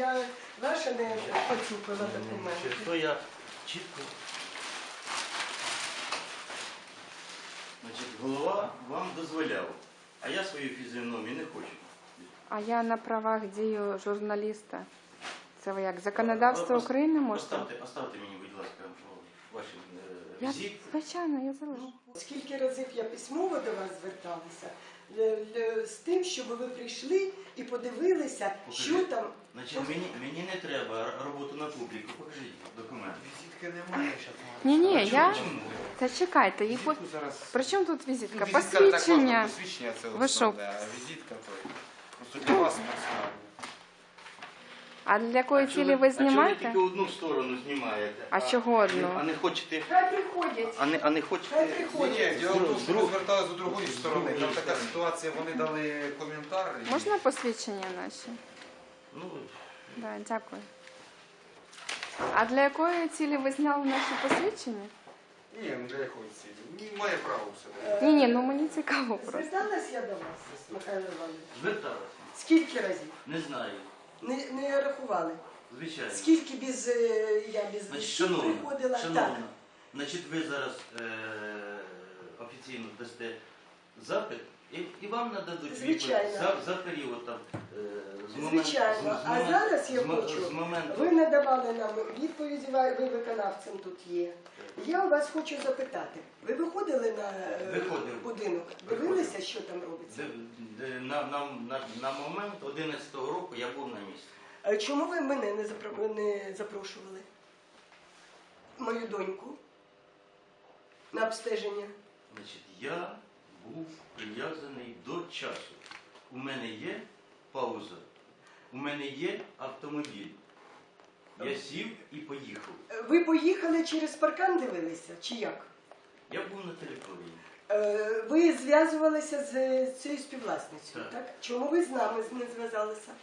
я ваша не поцупила документи. То я чітко. Значить, голова вам дозволяв, а я свою фізіономію не хочу. А я на правах дію журналіста. Це ви як? Законодавство України можете? Оставте мені, будь ласка, ваші Я, візит. звичайно, я залишу. Скільки разів я письмово до вас зверталася, з тим, щоб ви прийшли і подивилися, що там. Значить, мені не треба роботу на публіку. Покажіть документи. Візитки немає ще. Ні, я... Чому? Та чекайте, їх... Візитку зараз... При чому тут візитка? Візитка також, Посвідчення. посвідчення це Ви що? основне, а візитка то просто для вас персонально. А для якої цілі ви А чого ви знімаєте? тільки одну сторону знімаєте? А чого одну? А не хочете... Хай приходять. А не хочете... Хай приходять. Ні, діло в тому, що ми зверталися до другої сторони. Там така ситуація, вони дали коментар. і- Можна посвідчення наші? Ну, Да, дякую. А для якої цілі ви зняли наші посвідчення? Ні, ну для якої цілі? Ні, має право все. Ні, ну мені цікаво просто. Зверталась я до вас, Михайло Іванович? зверталася. Скільки разів? Не знаю. Не рахували. Звичайно. Скільки я без Значить, листів приходила? шановна, значить, ви зараз офіційно дасте запит, і вам нададуть Звичайно. відповідь за період там, Звичайно. А зараз я хочу, з моменту... ви надавали нам відповіді, ви виконавцем тут є. Я у вас хочу запитати, ви виходили на Виходив. будинок, дивилися, що там робиться? На момент 11-го року я був на місці. А чому ви мене не запрошували? Мою доньку на обстеження? Значить, я був прив'язаний до часу. У мене є пауза, у мене є автомобіль. Я сів і поїхав. Ви поїхали через паркан дивилися, чи як? Я був на території. Ви зв'язувалися з цією співвласницею, Так. так? Чому ви з нами не зв'язалися?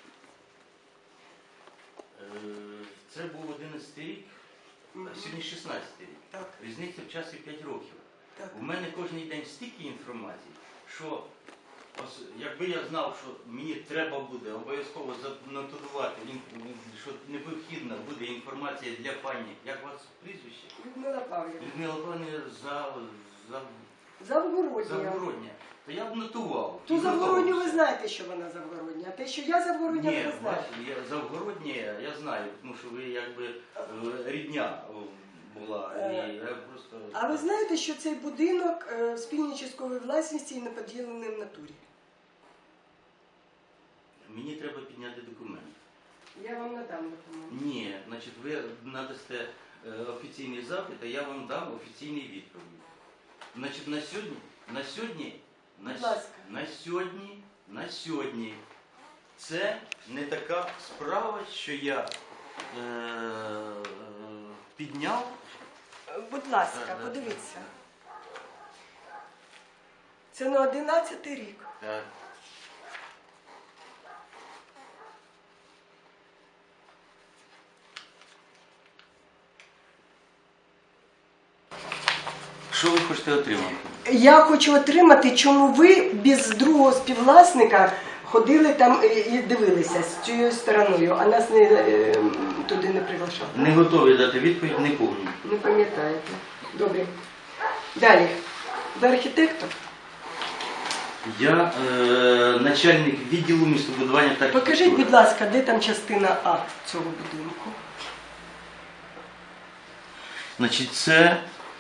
Це був 11-й рік, а сьогодні 16-й рік. Так, Різниця в часі 5 років. так. У мене кожен день стільки інформації, що якби я знав, що мені треба буде обов'язково занотувати, що необхідна буде інформація для пані, як у вас прізвище? Людмила Павлівна. Людмила Павлівна Завгородня. Завгородня. То я б нотував. Ту І Завгородню ви готовився. знаєте, що вона Завгородня, а те, що я Завгородня, ви Ні, не знаєте. бачите, Завгородня я знаю, тому що ви якби рідня була. І я просто... А ви знаєте, що цей будинок в спільній частковій власності і не поділений в натурі? Мені треба підняти документ. Я вам надам документ. Ні, значить, ви надасте офіційний запит, а я вам дам офіційний відповідь. Значить, Будь ласка. на сьогодні це не така справа, що я підняв. Будь ласка, Да. подивіться. Це на 11-й рік. Так. Що ви хочете отримати? Я хочу отримати, чому ви без другого співвласника ходили там і дивилися з цією стороною, а нас туди не приглашали. Не готові дати відповідь, не повні. Не пам'ятаєте. Добре. Далі. Ви архітектор? Я начальник відділу містобудування та Покажіть, архітектури. будь ласка, де там частина А цього будинку? Значить, це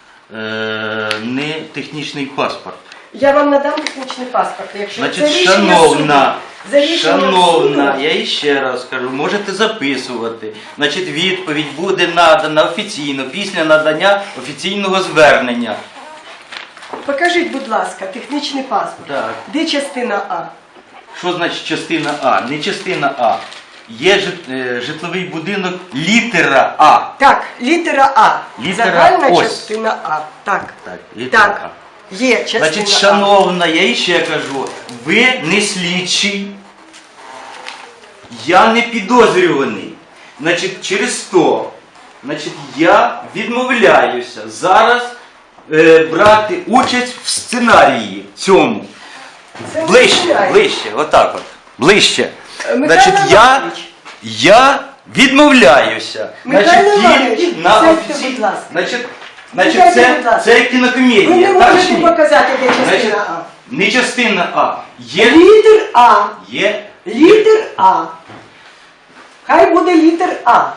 не технічний паспорт. Я вам надам технічний паспорт. Якщо Значить, це рішення шановна, суду. За рішенням шановна, суду. я іще раз кажу, можете записувати. Значить, відповідь буде надана офіційно після надання офіційного звернення. Покажіть, будь ласка, технічний паспорт. Так. Де частина А? Що значить частина А? Не частина А. Є житловий будинок літера А. Так, літера А. Літера Загальна ось. частина А. Так. Так, літера Так. А. Є частина Значить, А. шановна, я іще кажу, ви не слідчий, я не підозрюваний. Значить, через то, значить, я відмовляюся зараз брати участь в сценарії цьому. Це Ближче, сценарій. ближче, отак от, ближче. Михайло Значить, Васильович. я Відмовляюся. Михайло Значить, Іванович, тільки на сядьте, офіційній... будь ласка. Значить, Сядьте, будь ласка. це Ви кінокомедія, не так чи можете ні? показати, де частина Значить, А. не частина А. Є. Літер А. Є. Літер А. Хай буде літер А.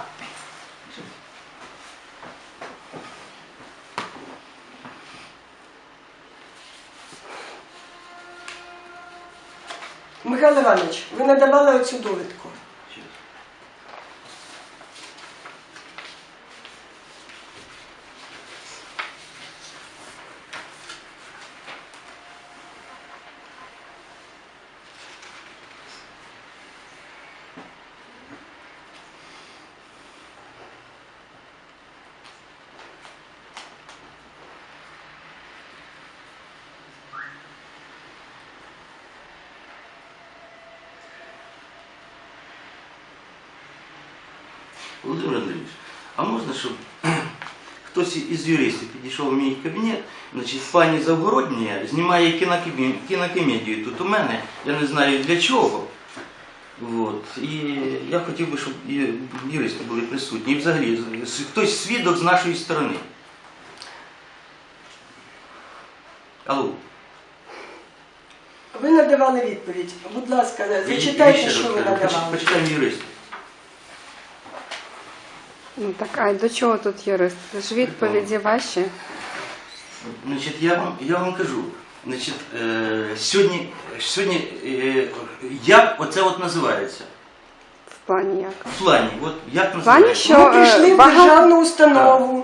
Михайло Іванович, ви надавали оцю довідку. Володимир Андрійович, а можна, щоб хтось із юристів підійшов в мій кабінет, значить, пані Завгородня знімає кінокомедію тут у мене, я не знаю для чого. От. І я хотів би, щоб і юристи були присутні. І взагалі, хтось свідок з нашої сторони. Алло. Ви надавали відповідь. Будь ласка, зачитайте, що ви надавали. Почитаємо юристів. Ну так, а до чого тут юрист? Це ж відповіді ваші. Значить, я вам кажу, значить, сьогодні як оце от називається? В плані як? В плані, от як В плані, називається? що Ми прийшли в багато... державну установу,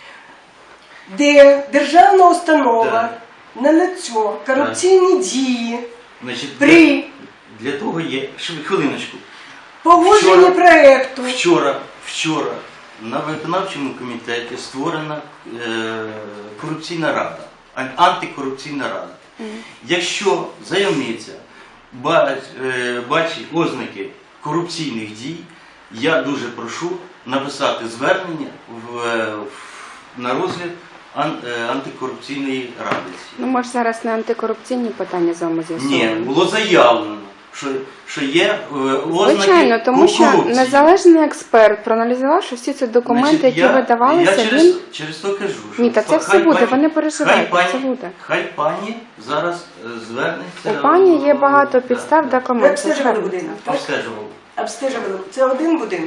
де державна установа Так. на лицо корупційні дії Значить, при для того є, хвилиночку. погодженні Вчора- проєкту. Вчора на виконавчому комітеті створена корупційна рада, антикорупційна рада. Якщо заявниця бачить ознаки корупційних дій, я дуже прошу написати звернення на розгляд антикорупційної ради. Ну, може, зараз не антикорупційні питання з вами Ні, з'ясовуємо. було заявлено, що є ознаки Звичайно, тому що корупції. незалежний експерт, проаналізувавши всі ці документи, Значить, які видавалися, я він... через то кажу, що Ні, та це все буде, ви не переживайте, це буде. Хай пані зараз звернеться. У пані є багато да, підстав да. документів. Ви обстежували будинок, так? Обстежував. Обстежували. Це один будинок?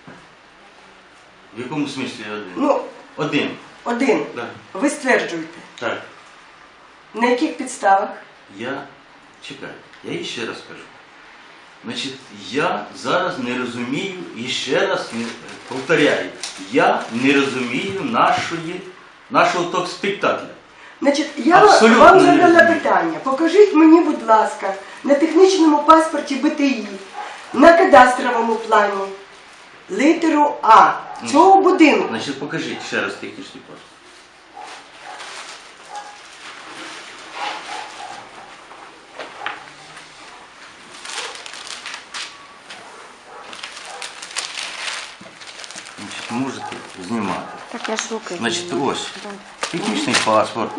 В якому смислі один? Ну, Один. один. Да. Ви стверджуєте. Так. На яких підставах? Чекай, я їй ще раз кажу. Значить, я зараз не розумію, і ще раз повторяю, я не розумію нашого ток-спектакля. Значить, я Абсолютно вам не задала розумію. питання. Покажіть мені, будь ласка, на технічному паспорті БТІ, на кадастровому плані, літеру А цього будинку. Значить, покажіть ще раз технічний паспорт. Значить, можете знімати. Так, я ж руки. Значить, знімаю. ось. Да. Технічний паспорт.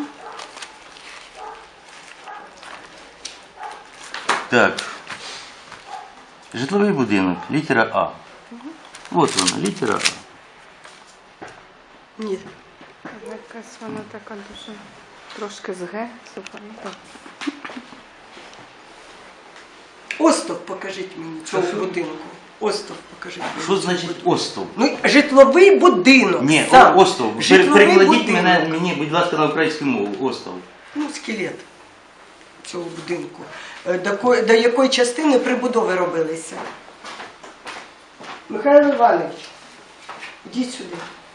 Так. Житловий будинок, літера А. От вона, літера А. Ні. Якась вона така дуже трошки з Г. Супер. Ну, так. Остов покажіть мені цього Що? будинку. Остов покажіть мені. Що значить остов? Ну, житловий будинок. Ні, сам. остов. Житловий Перекладіть будинок. мені, будь ласка, на українську мову. Остов. Ну, скелет цього будинку. До якої частини прибудови робилися? Михайло Іванович, йдіть сюди.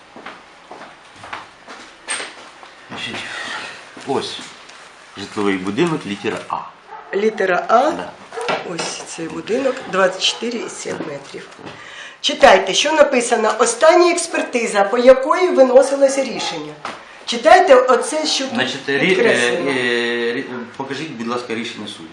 Значить, ось житловий будинок, літера А. Літера А. Да. Ось цей будинок 24,7 метрів. Читайте, що написано. Остання експертиза, по якої виносилося рішення. Читайте оце, що тут Значить, підкреслено. покажіть, будь ласка, рішення суду.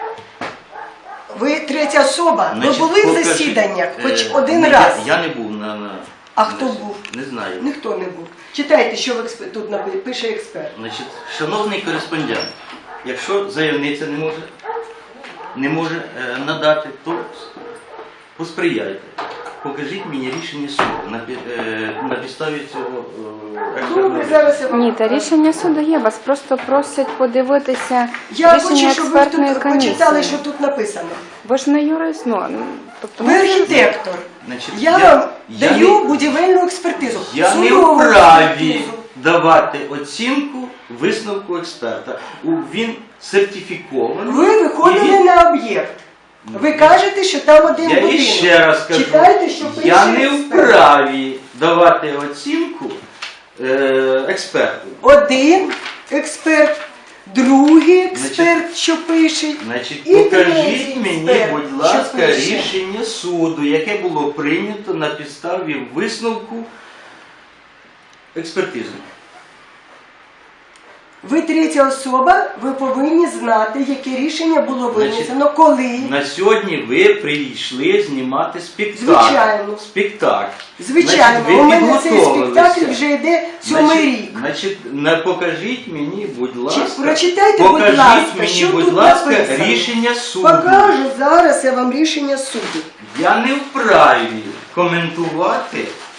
Ви третя особа. Значить, Ви були в покажіть, засіданнях хоч один ні, раз. Я не був на... А хто був? Не знаю. Ніхто не був. Читайте, що тут пише експерт. Значить, шановний кореспондент, якщо заявниця не може надати, то посприяйте. покажіть мені рішення суду на підставі цього Добре, експертного зараз я вам Ні, та рішення суду є, вас просто просять подивитися Я рішення хочу, щоб ви експертної тут комісії. почитали, що тут написано. Ви ж не юрист, тобто Ви архітектор. Значить, Я вам даю будівельну експертизу. Я не Судову вправі експертизу. давати оцінку висновку експерта. Він сертифікований. Ви виходили і він- на об'єкт. Ви кажете, що там один Я будинок. іще раз кажу, Читайте, що пише я не експерт. вправі давати оцінку експерту. Один експерт, другий експерт, що пише. Значить, І покажіть третій мені, експерт, будь що ласка, пише. рішення суду, яке було прийнято на підставі висновку експертизи. Ви третя особа, ви повинні знати, яке рішення було винесено, коли. На сьогодні ви прийшли знімати спектакль. Звичайно. Спектакль. Звичайно, Значить, ви у мене цей підготовилися. спектакль вже йде 7-й рік. Значить, покажіть мені, будь ласка, прочитайте, будь покажіть ласка, мені, що будь тут ласка, написано. рішення суду. Покажу зараз я вам рішення суду. Я не вправі коментувати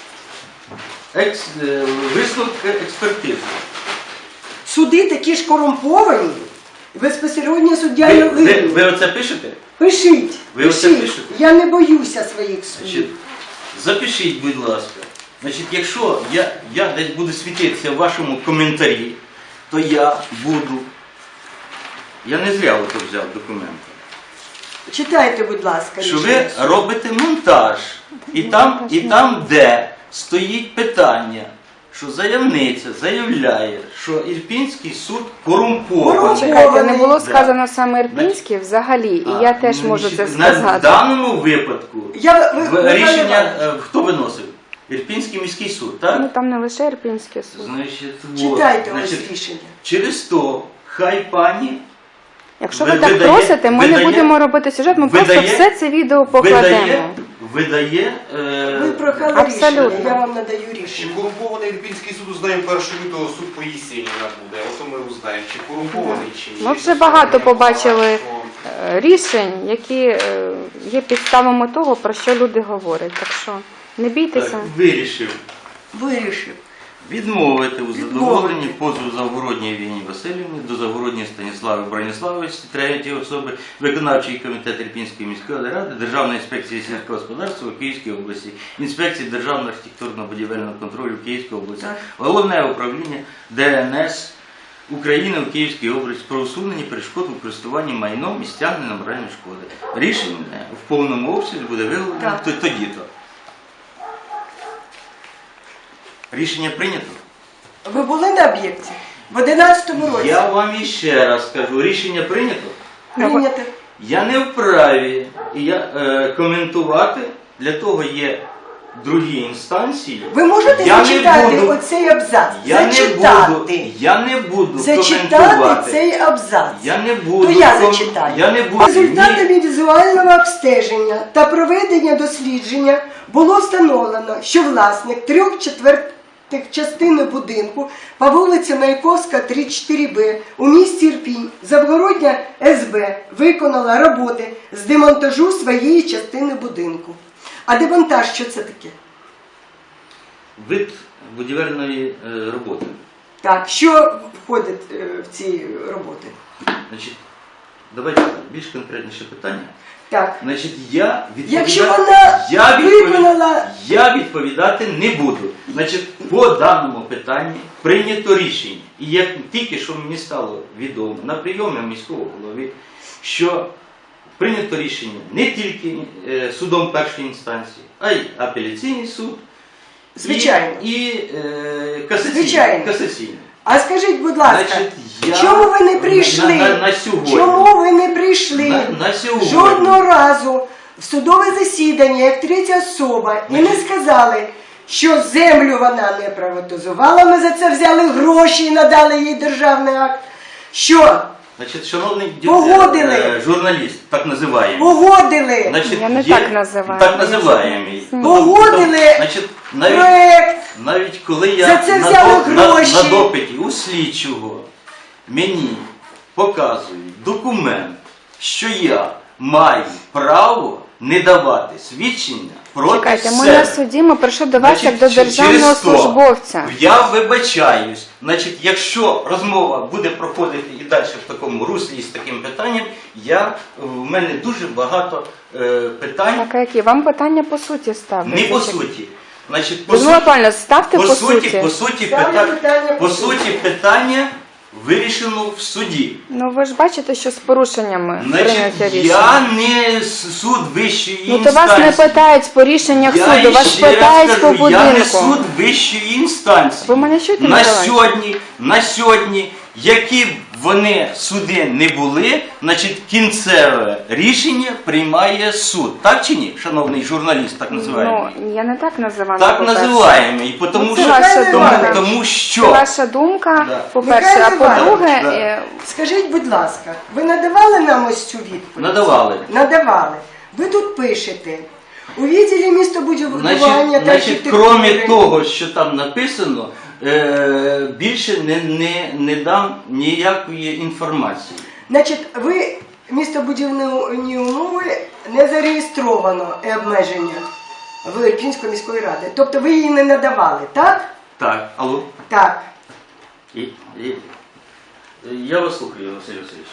висновки експертизи. Суди такі ж корумповані, безпосередньо суддя Ви, не ви, винен. ви оце пишете? Пишіть, Ви оце пишіть. пишете? Я не боюся своїх Значить, судів. запишіть, будь ласка. Значить, якщо я десь буду світитися в вашому коментарі, то я не зря ото взяв документи, Читайте, будь ласка, що рішення ви суду. робите монтаж, і там, де стоїть питання, що заявниця заявляє, що Ірпінський суд корумпований. Чекайте, не було Да. сказано саме Ірпінський взагалі, і я теж можу це На сказати. даному випадку рішення ви- хто виносив? Ірпінський міський суд, так? Ну там не лише Ірпінський суд. Значить, Читайте вот, ось значить, рішення. через то хай пані Якщо ви- ви так видає- просите, ми не видає- будемо робити сюжет, ми просто видає- все це відео покладемо. видає Ви прохали Абсолютно. рішення, я вам надаю Чи рішення. корумпований Ірпінський суд узнаємо 1 лютого, суд по Єсеніна буде. Ото ми узнаємо, чи корумпований, чи ні. Ми вже багато побачили рішень, які є підставами того, про що люди говорять. Так що не бійтеся. Вирішив. відмовити у задоволенні позову Завгородній Євгенії Васильівні до Завгородньої Станіслави Броніславовича, третьої особи, виконавчий комітет Ірпінської міської ради, Державної інспекції сільського господарства у Київській області, інспекції Державного архітектурно-будівельного контролю в Київській області, Головне управління ДНС України у Київській області про усунення перешкод у користуванні майном і стягнення моральної шкоди. Рішення в повному обсязі буде виголошено Так. тоді-то. Рішення прийнято? Ви були на об'єкті? В 11-му році? Я вам іще раз кажу, рішення прийнято? Прийнято. Я не вправі коментувати, для того є другі інстанції. Ви можете Я не зачитати буду- оцей абзац? Я не буду Зачитати коментувати. цей абзац. Я не буду. То я зачитаю. Я не буду. Результатами візуального обстеження та проведення дослідження було встановлено, що власник 3/4 частини будинку по вулиці Маяковська, 34Б у місті Ірпінь, Завгородня СБ виконала роботи з демонтажу своєї частини будинку. А демонтаж що це таке? Вид будівельної роботи. Так, що входить в ці роботи? Значить, давайте більш конкретніше питання. Так. Значить, я Якщо вона виконала- я відповідати не буду. Значить, по даному питанні прийнято рішення. І як тільки що мені стало відомо на прийомі міського голови, що прийнято рішення не тільки судом першої інстанції, а й апеляційний суд Звичайно. і Звичайно. касаційний. А скажіть, будь ласка, Значить, чому ви не прийшли? на сьогодні. Чому ви не прийшли На сьогодні. жодного разу в судове засідання, як третя особа, і не сказали, що землю вона не приватизувала, ми за це взяли гроші і надали їй державний акт, що Значить, шановний Погодили. журналіст, так називаємо. Погодили Значить, Я не є- так називаю. Так називаємо. Погодили Значить, проект. навіть коли я За це взяли гроші. на допиті у слідчого мені показують документ, що я маю право не давати свідчення проти Чекайте, ми себе. на суді, ми прийшли до вас як до Значить, державного через то службовця. Я вибачаюсь. Значить, якщо розмова буде проходити і далі в такому руслі і з таким питанням, в мене дуже багато питань. Так, а які? Вам питання по суті ставлять? Не по суті. Значить, Людмила Павлівна, ставте по суті. по суті питання вирішено в суді. Ну ви ж бачите, що з порушеннями Значить, прийняття рішення. я не суд вищої Ну то інстанції. вас не питають по рішеннях суду, вас ще раз питають по кажу, я не будинку. суд вищої інстанції. Ви мене чуєте, на Миколай? сьогодні, які б вони суди не були, значить кінцеве рішення приймає суд. Так чи ні, шановний журналіст, так називаємо? Ну, я не так називаю. Так по-перше. називаємо. І тому, Ну, це що, ваша думка. тому що Це ваша думка, Да. по-перше, а Михайло по-друге, Іванович, Скажіть, будь ласка, ви надавали нам ось цю відповідь? надавали. Надавали. Ви тут пишете. У відділі містобудування та Значить, крім архітектури. того, що там написано, більше не дам ніякої інформації. Значить, ви містобудівні умови не зареєстровано обмеження в Ірпінської міської ради. Тобто ви її не надавали, так? Так, алло. Так. Я вас слухаю, Василь Васильович.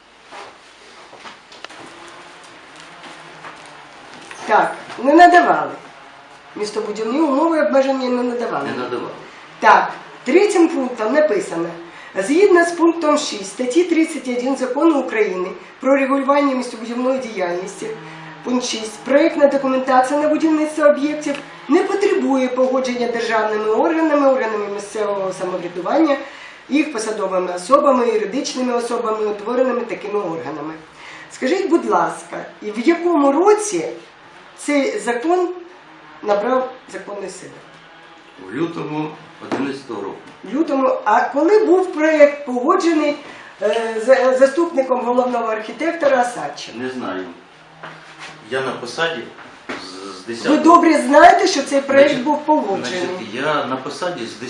Так, не надавали. Містобудівні умови обмеження не надавали. Не надавали. Так, третім пунктом написано. Згідно з пунктом 6 статті 31 Закону України про регулювання містобудівної діяльності, пункт 6, проєктна документація на будівництво об'єктів не потребує погодження державними органами, органами місцевого самоврядування, їх посадовими особами, юридичними особами, утвореними такими органами. Скажіть, будь ласка, і в якому році цей закон набрав законної сили? У лютому 2011 року. В лютому. А коли був проєкт погоджений заступником головного архітектора Осадчим? Не знаю. Я на посаді з 10 Ви добре знаєте, що цей проєкт був погоджений. Значить, я на посаді з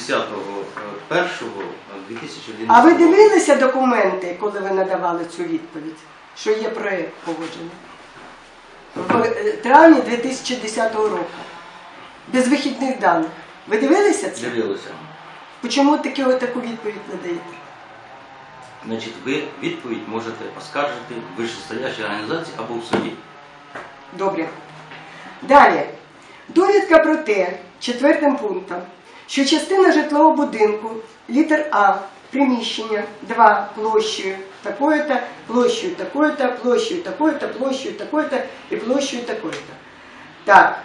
10.01.2011 А ви дивилися документи, коли ви надавали цю відповідь, що є проєкт погоджений? В травні 2010 року. Без вихідних даних. Ви дивилися це? Дивилися. Чому таку відповідь не даєте? Значить, ви відповідь можете оскаржити в вищестоящій організації або в суді. Добре. Далі. Довідка про те, четвертим пунктом, що частина житлового будинку, літер А, приміщення, 2, площею такою-то, площею такою-то, площею такою-то, площею такою-то і площею такою-то. Так.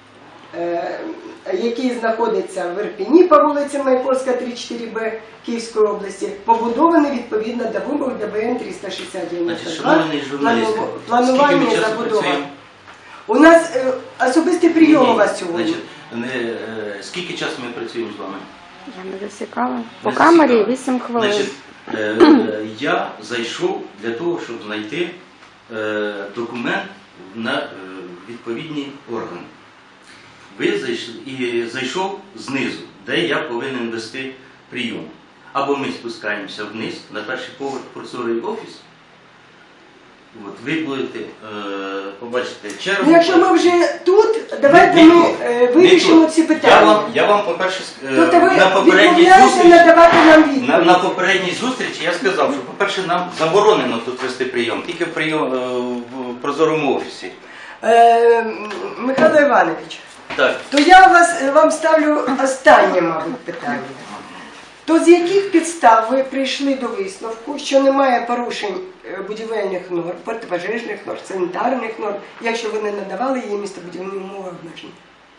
Який знаходиться в Ірпіні по вулиці Маяковська, 34Б Київської області, побудований відповідно до вимог ДБН 360-92. Значить, шановний журналіст, скільки Планування ми і часу забудова. працюємо? У нас особистий прийом у вас сьогодні. Значить, скільки часу ми працюємо з вами? Я не засікала. По Не камері засікала. 8 хвилин. Значить, я зайшов для того, щоб знайти документ на відповідні органи. Ви зайшли і зайшов знизу, де я повинен вести прийом. Або ми спускаємося вниз на перший поверх прозорий офіс. От, ви будете побачити чергу. Ну, якщо ми вже тут, давайте Не ми тут. вирішимо Не тут. ці питання. Я вам по-перше, Тобто ви на попередній відмовляєте зустрічі, надавати нам відповідь? на попередній зустрічі я сказав, що, по-перше, нам заборонено тут вести прийом, тільки в прозорому офісі. Михайло Іванович, Так. то я вам ставлю останнє, мабуть, питання. То з яких підстав ви прийшли до висновку, що немає порушень будівельних норм, протипожежних норм, санітарних норм, якщо ви не надавали їй містобудівні умови обмежень?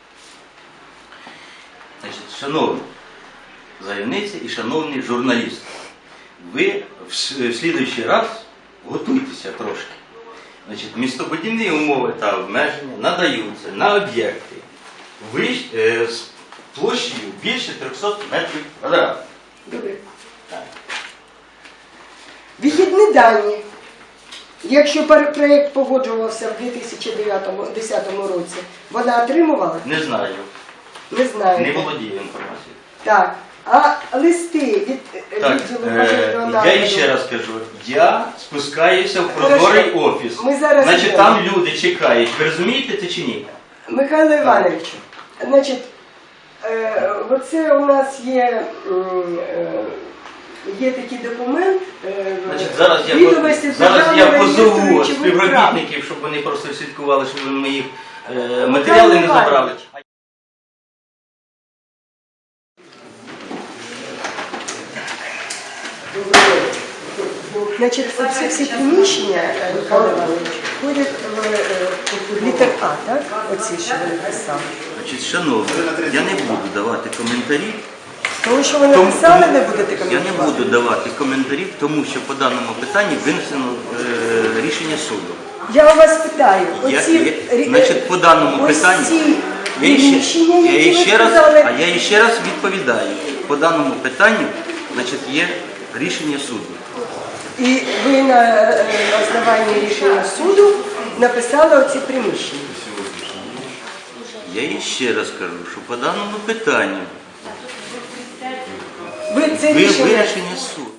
Значить, шановні заявниці і шановні журналісти, ви в слідуючий раз готуйтеся трошки. Значить, містобудівні умови та обмеження надаються на об'єкти з площею більше 300 метрів квадратних. Добре. Вихідні дані. Якщо проєкт погоджувався в 2010 році, вона отримувала? Не знаю, Не знаю. не володію інформацією. Так. А листи від Так, відділу регіонального... я ще раз кажу, я спускаюся в прозорий офіс. Ми зараз Значить, йдемо. там люди чекають. Ви розумієте це чи ні? Михайло Івановичу, значить, оце у нас є, є такий документ, Значить, зараз відомості з я Державного реєстру позову речових прав. співробітників, щоб вони просто слідкували, щоб ви моїх матеріали не Михайло забрали. Значить, оці всі приміщення, Михайло Іванович, входять в літер А, так? Оці, що ви написали. Значить, шановні, я не буду давати коментарі. Тому що ви написали, не будете Я коментувати? не буду давати коментарів, тому що по даному питанню винесено рішення суду. Я у вас питаю, Значить, по даному питанню, приміщення, які ви сказали, а я ще раз відповідаю. По даному питанню, значить, є рішення суду. і ви на основанні рішення суду написали оці приміщення. Я їй ще раз кажу, що по даному питанню Ви це рішення вирішення суду.